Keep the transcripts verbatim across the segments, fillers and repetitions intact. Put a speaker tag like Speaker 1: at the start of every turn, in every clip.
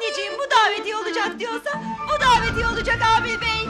Speaker 1: Anneciğim bu davetiye olacak diyorsa bu davetiye olacak Amil Bey.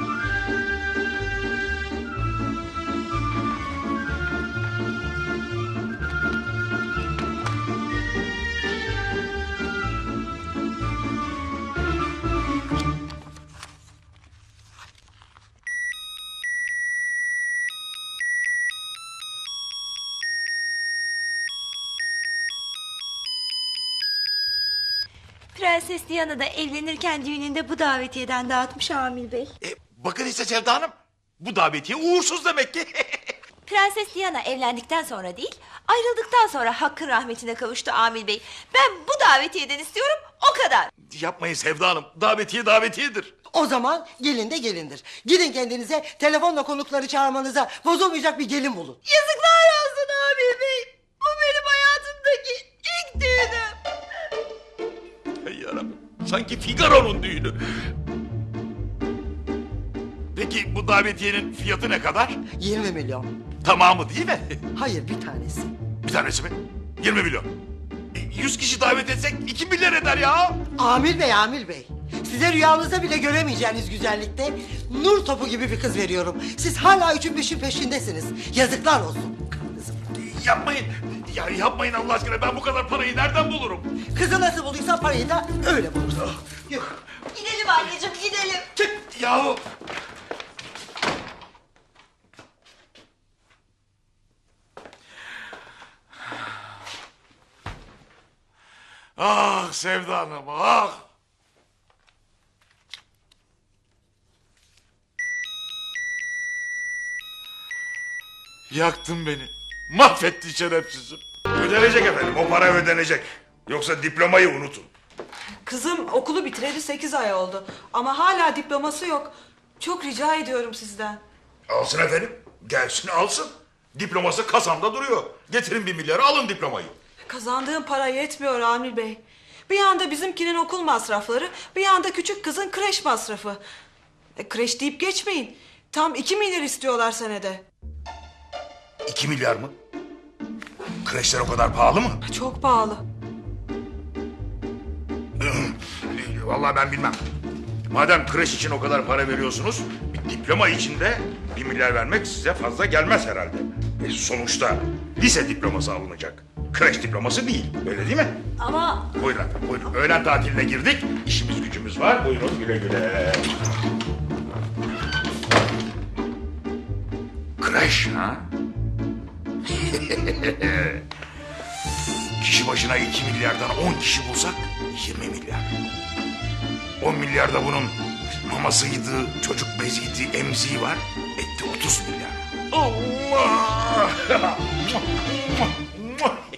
Speaker 1: Prenses Diana da evlenirken düğününde bu davetiyeden dağıtmış Amil Bey.
Speaker 2: E, bakın işte Sevda Hanım. Bu davetiye uğursuz demek ki.
Speaker 1: Prenses Diana evlendikten sonra değil, ayrıldıktan sonra Hakk'ın rahmetine kavuştu Amil Bey. Ben bu davetiyeden istiyorum, o kadar.
Speaker 2: Yapmayın Sevda Hanım. Davetiye davetiyedir.
Speaker 3: O zaman gelin de gelindir. Gidin kendinize telefonla konukları çağırmanıza bozulmayacak bir gelin bulun.
Speaker 1: Yazıklar olsun Amil Bey. Bu benim hayatımdaki ilk düğünüm.
Speaker 2: Ey yarabbim. Sanki Figaro'nun düğünü. Peki bu davetiyenin fiyatı ne kadar?
Speaker 3: yirmi milyon.
Speaker 2: Tamamı değil mi?
Speaker 3: Hayır, bir tanesi.
Speaker 2: Bir tanesi mi? yirmi milyon. E, yüz kişi davet etsek iki milyar eder ya.
Speaker 3: Amil Bey, Amil Bey. Size rüyanızda bile göremeyeceğiniz güzellikte nur topu gibi bir kız veriyorum. Siz hala üçün beşin peşindesiniz. Yazıklar olsun. Kızım.
Speaker 2: Yapmayın. Ya yapmayın Allah aşkına. Ben bu kadar parayı nereden bulurum?
Speaker 3: Kızı nasıl bulduysa parayı da öyle bulursun. Yuh.
Speaker 1: Gidelim anneciğim, gidelim.
Speaker 2: Çık yahu. Ah Sevda Hanım, ah! Yaktın beni. Mahvettin şerefsizim.
Speaker 4: Ödenecek efendim, o para ödenecek. Yoksa diplomayı unutun.
Speaker 5: Kızım okulu bitireli sekiz ay oldu. Ama hala diploması yok. Çok rica ediyorum sizden.
Speaker 4: Alsın efendim, gelsin alsın. Diploması kasamda duruyor. Getirin bir milyarı, alın diplomayı.
Speaker 5: Kazandığım para yetmiyor Amil Bey. Bir yanda bizimkinin okul masrafları, bir yanda küçük kızın kreş masrafı. E, kreş deyip geçmeyin. Tam iki milyar istiyorlar senede.
Speaker 4: İki milyar mı? Kreşler o kadar pahalı mı?
Speaker 5: Çok pahalı.
Speaker 4: Vallahi ben bilmem. Madem kreş için o kadar para veriyorsunuz, bir diploma için de bir milyar vermek size fazla gelmez herhalde. E, sonuçta lise diploması alınacak. Kreş diploması değil, öyle değil mi?
Speaker 1: Ama
Speaker 4: Buyurun efendim, buyurun. Öğlen tatiline girdik, işimiz gücümüz var. Buyurun güle güle. Kreş ha? Kişi başına iki milyardan on kişi bulsak yirmi milyar. On milyarda bunun mamasıydı, çocuk beziydi, emziği var. Etti otuz milyar. Allah!